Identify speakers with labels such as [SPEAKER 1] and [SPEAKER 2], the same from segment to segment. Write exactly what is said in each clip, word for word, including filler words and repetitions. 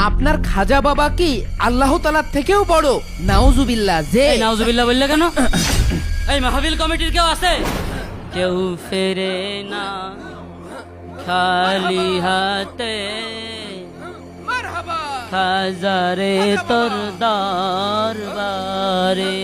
[SPEAKER 1] আপনার খাজা বাবা কি আল্লাহ তাআলার থেকেও বড়? নাউজুবিল্লাহ। যে
[SPEAKER 2] এই নাউজুবিল্লাহ বললে কেন? এই মাহফিল কমিটির কেউ আছে? কেউ ফেরে না খালি হাতে, খাজারে তোর দরবারে।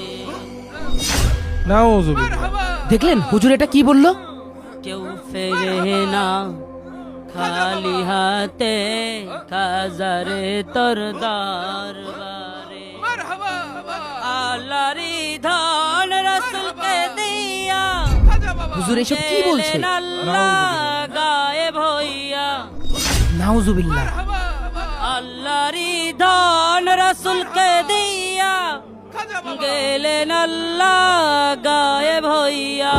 [SPEAKER 3] নাউজুবিল্লাহ।
[SPEAKER 1] দেখলেন হুজুর এটা কি বলল?
[SPEAKER 2] কেউ ফেরে না খালি হাতে, খাজারে তোর দরবারে। আল্লাহরি ধন রাসূলকে দিয়া,
[SPEAKER 1] হুজুর এসব কি বলছে?
[SPEAKER 2] গেলেন আল্লাহ গায়েব হইয়া।
[SPEAKER 1] নাউজুবিল্লাহ।
[SPEAKER 2] আল্লাহরি ধন রাসূলকে দিয়া, গেলেন আল্লাহ গায়েব হইয়া।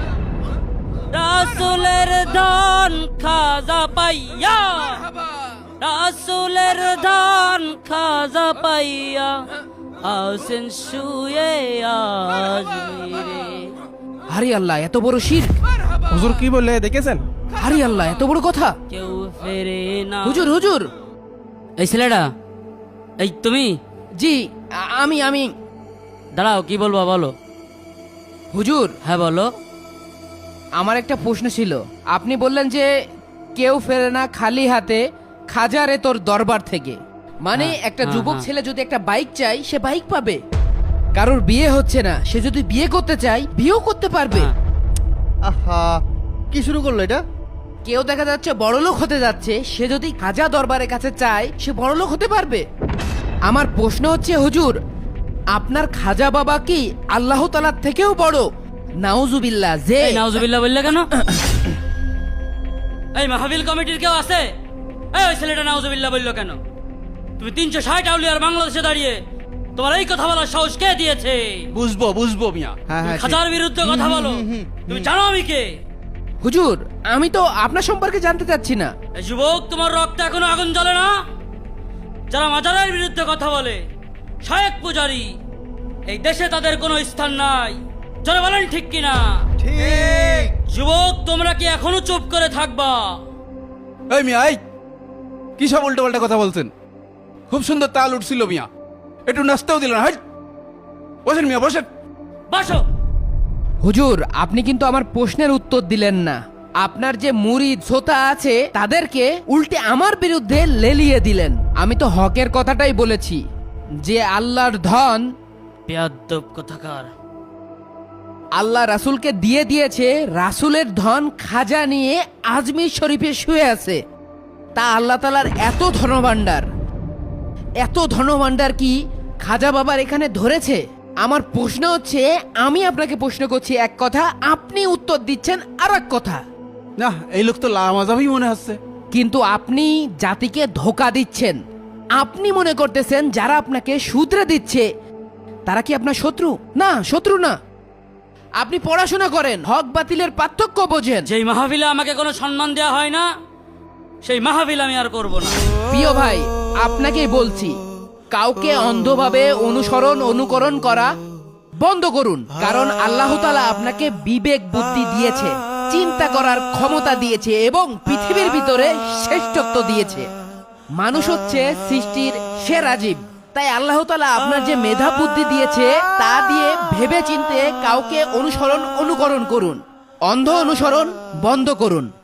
[SPEAKER 2] রাসূলের ধন খাজা পাইয়া, রাসূলের ধন খাজা পাইয়া, আছেন শুয়ে আজমিরে।
[SPEAKER 1] আরে আল্লাহ, এত বড় শিরক!
[SPEAKER 3] হুজুর কি বললে দেখেছেন?
[SPEAKER 1] আরে আল্লাহ, এত বড় কথা!
[SPEAKER 2] কেউ ফেরে না।
[SPEAKER 1] হুজুর হুজুর।
[SPEAKER 2] এই ছেলেটা, এই তুমি?
[SPEAKER 1] জি আ- আমি আমি
[SPEAKER 2] দাঁড়াও, কি বলবো বলো।
[SPEAKER 1] হুজুর,
[SPEAKER 2] হ্যাঁ বলো।
[SPEAKER 1] আমার একটা প্রশ্ন ছিল। আপনি বললেন যে কেউ ফেরে না খালি হাতে, খাজারে তোর দরবার থেকে। মানে
[SPEAKER 2] হ্যাঁ,
[SPEAKER 1] একটা
[SPEAKER 2] হ্যাঁ,
[SPEAKER 1] যুবক
[SPEAKER 2] হ্যাঁ।
[SPEAKER 1] ছেলে যদি একটা বাইক চাই, সে বাইক পাবে। কারোর বিয়ে হচ্ছে না, সে যদি বিয়ে করতে চায়, বিয়েও করতে পারবে।
[SPEAKER 2] হ্যাঁ।
[SPEAKER 4] আহা, কি শুরু করলো এটা?
[SPEAKER 1] কেউ দেখা যাচ্ছে বড়লোক হতে যাচ্ছে, সে যদি খাজা দরবারের কাছে চায়, সে বড়লোক হতে পারবে। আমার প্রশ্ন হচ্ছে হুজুর, আপনার খাজা বাবা কি আল্লাহ তাআলার থেকেও বড়? নাউজুবিল্লাহ। যে
[SPEAKER 2] এই নাউজুবিল্লাহ বললে কেন? এই মাহফিল কমিটির কেউ আছে? এই ওই ছেলেটা নাউজুবিল্লাহ বললো কেন? তুমি তিনশো ষাট আউলিয়ার বাংলাদেশে দাঁড়িয়ে তোমার এই কথা বলার সাহস কে দিয়েছে?
[SPEAKER 5] বুঝবো বুঝবো মিয়া।
[SPEAKER 4] হ্যাঁ
[SPEAKER 2] তুমি
[SPEAKER 4] হ্যাঁ,
[SPEAKER 2] খাজার বিরুদ্ধে কথা বলো। তুমি জানো আমি কে?
[SPEAKER 1] হুজুর, আমি তো আপনার সম্পর্কে জানতে চাচ্ছি না।
[SPEAKER 2] এই যুবক, তোমার রক্তে এখনো আগুন জ্বলে না? যারা মাজারের বিরুদ্ধে কথা বলে, শায়েক পূজারি, এই দেশে তাদের কোনো স্থান নাই। যারা বলেন ঠিক কিনা?
[SPEAKER 4] ঠিক।
[SPEAKER 2] যুবক, তোমরা কি এখনো চুপ করে থাকবা?
[SPEAKER 5] এই মিয়া, এই কি সব উল্টো পাল্টা কথা বলছেন? খুব সুন্দর তাল উঠছিল মিয়া, একটু নাচতেও দিল না। হাই, বসেন মিয়া বসেন।
[SPEAKER 2] বাসো।
[SPEAKER 1] হুজুর, আপনি কিন্তু আমার প্রশ্নের উত্তর দিলেন না। আপনার যে মুরিদ শ্রোতা আছে, তাদেরকে উল্টে আমার বিরুদ্ধে লেলিয়ে দিলেন। আমি তো হকের কথাটাই বলেছি, যে আল্লাহর ধন
[SPEAKER 2] বেয়াদ্দব কথাকার।
[SPEAKER 1] আল্লাহ রাসূলকে দিয়ে দিয়েছে। রাসূলের ধন খাজা নিয়ে আজমির শরীফে শুয়ে আছে। তা আল্লাহ তাআলার এত ধনভাণ্ডার, এত ধনভাণ্ডার কি খাজা বাবার এখানে ধরেছে? আমার প্রশ্ন হচ্ছে, আমি আপনাকে প্রশ্ন করছি এক কথা, আপনি উত্তর দিচ্ছেন আর এক কথা।
[SPEAKER 5] না, এই লোক তো লামাজাবই মনে হচ্ছে।
[SPEAKER 1] কিন্তু আপনি জাতিকে ধোকা দিচ্ছেন। আপনি মনে করতেছেন যারা আপনাকে শুধরে দিচ্ছে তারা কি আপনার শত্রু? না, শত্রু না। আপনি পড়াশোনা করেন, হক বাতিলের পার্থক্য বোঝেন।
[SPEAKER 2] যেই মাহফিলে আমাকে কোনো সম্মান দেওয়া হয় না, সেই মাহফিল আমি আর করব না।
[SPEAKER 1] প্রিয় ভাই, আপনাকেই বলছি, কাউকে অন্ধভাবে অনুসরণ অনুকরণ করা বন্ধ করুন। কারণ আল্লাহ তাআলা আপনাকে বিবেক বুদ্ধি দিয়েছে, চিন্তা করার ক্ষমতা দিয়েছে এবং পৃথিবীর ভিতরে শ্রেষ্ঠত্ব দিয়েছে। মানুষ হচ্ছে সৃষ্টির সেরা জীব। তাই আল্লাহ তাআলা আপনার যে মেধা বুদ্ধি দিয়েছে, তা দিয়ে ভেবে চিন্তে কাউকে অনুসরণ অনুকরণ করুন। অন্ধ অনুসরণ বন্ধ করুন।